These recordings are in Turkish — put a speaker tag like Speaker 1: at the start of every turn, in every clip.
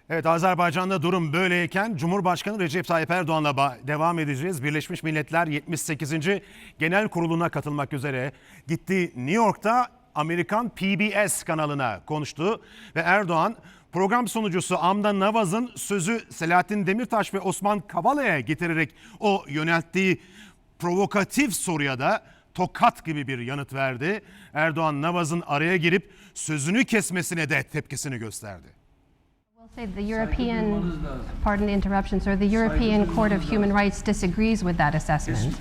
Speaker 1: Evet, Azerbaycan'da durum böyleyken Cumhurbaşkanı Recep Tayyip Erdoğan'la devam edeceğiz. Birleşmiş Milletler 78. Genel Kurulu'na katılmak üzere gitti. New York'ta Amerikan PBS kanalına konuştu ve Erdoğan program sunucusu Amda Navaz'ın sözü Selahattin Demirtaş ve Osman Kavala'ya getirerek o yönelttiği provokatif soruya da tokat gibi bir yanıt verdi. Erdoğan Navaz'ın araya girip sözünü kesmesine de tepkisini gösterdi.
Speaker 2: The European, pardon the interruption, sir, the European Court of Human Rights disagrees with that assessment.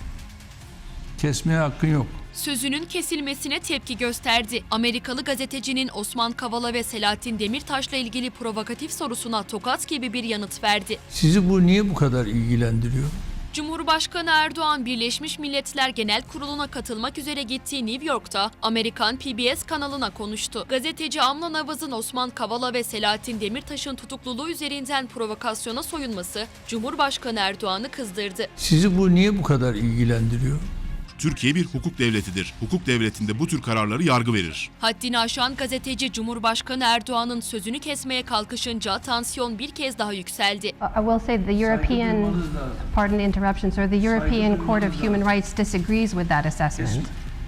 Speaker 3: Kesmeye hakkın yok.
Speaker 4: Sözünün kesilmesine tepki gösterdi. Amerikalı gazetecinin Osman Kavala ve Selahattin Demirtaş'la ilgili provokatif sorusuna tokat gibi bir yanıt verdi.
Speaker 3: Sizi bu niye bu kadar ilgilendiriyor?
Speaker 4: Cumhurbaşkanı Erdoğan, Birleşmiş Milletler Genel Kurulu'na katılmak üzere gittiği New York'ta Amerikan PBS kanalına konuştu. Gazeteci Amna Navaz'ın Osman Kavala ve Selahattin Demirtaş'ın tutukluluğu üzerinden provokasyona soyunması Cumhurbaşkanı Erdoğan'ı kızdırdı.
Speaker 3: Sizi bu niye bu kadar ilgilendiriyor?
Speaker 5: Türkiye bir hukuk devletidir. Hukuk devletinde bu tür kararları yargı verir.
Speaker 4: Haddini aşan gazeteci Cumhurbaşkanı Erdoğan'ın sözünü kesmeye kalkışınca tansiyon bir kez daha yükseldi.
Speaker 2: I will say the European, pardon the interruption, sir, the European Court of Human Rights disagrees with that assessment.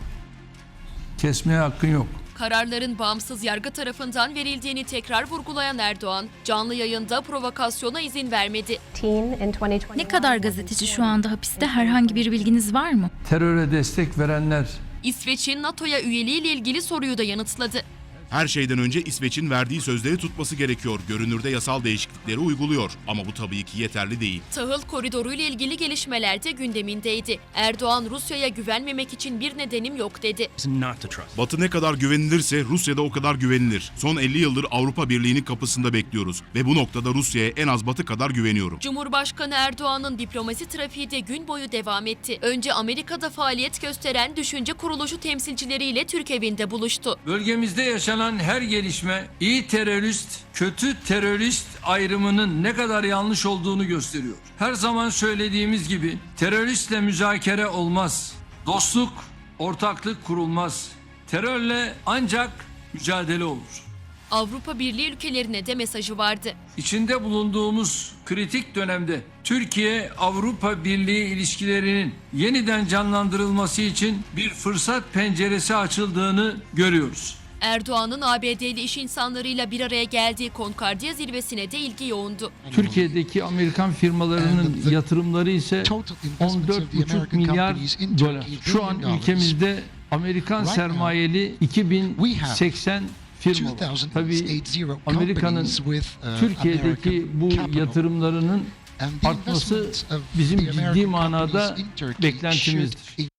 Speaker 3: Kesmeye hakkın yok.
Speaker 4: Kararların bağımsız yargı tarafından verildiğini tekrar vurgulayan Erdoğan, canlı yayında provokasyona izin vermedi.
Speaker 6: Ne kadar gazeteci şu anda hapiste, herhangi bir bilginiz var mı?
Speaker 3: Teröre destek verenler
Speaker 4: İsveç'in NATO'ya üyeliğiyle ilgili soruyu da yanıtladı.
Speaker 5: Her şeyden önce İsveç'in verdiği sözleri tutması gerekiyor. Görünürde yasal değişiklikleri uyguluyor. Ama bu tabii ki yeterli değil.
Speaker 4: Tahıl koridoru ile ilgili gelişmeler de gündemindeydi. Erdoğan, Rusya'ya güvenmemek için bir nedenim yok dedi.
Speaker 5: Batı ne kadar güvenilirse Rusya'da o kadar güvenilir. Son 50 yıldır Avrupa Birliği'nin kapısında bekliyoruz. Ve bu noktada Rusya'ya en az Batı kadar güveniyorum.
Speaker 4: Cumhurbaşkanı Erdoğan'ın diplomasi trafiği de gün boyu devam etti. Önce Amerika'da faaliyet gösteren düşünce kuruluşu temsilcileriyle Türk evinde buluştu.
Speaker 3: bölgemizde yaşanan her gelişme iyi terörist, kötü terörist ayrımının ne kadar yanlış olduğunu gösteriyor. Her zaman söylediğimiz gibi teröristle müzakere olmaz. Dostluk, ortaklık kurulmaz. Terörle ancak mücadele olur.
Speaker 4: Avrupa Birliği ülkelerine de mesajı vardı.
Speaker 3: İçinde bulunduğumuz kritik dönemde Türkiye-Avrupa Birliği ilişkilerinin yeniden canlandırılması için bir fırsat penceresi açıldığını görüyoruz.
Speaker 4: Erdoğan'ın ABD'li iş insanlarıyla bir araya geldiği Konkordiya zirvesine de ilgi yoğundu.
Speaker 3: Türkiye'deki Amerikan firmalarının yatırımları ise 14,5 milyar dolar. Şu an ülkemizde Amerikan sermayeli 2080 firma var. Tabii Amerika'nın Türkiye'deki bu yatırımlarının artması bizim ciddi manada beklentimizdir.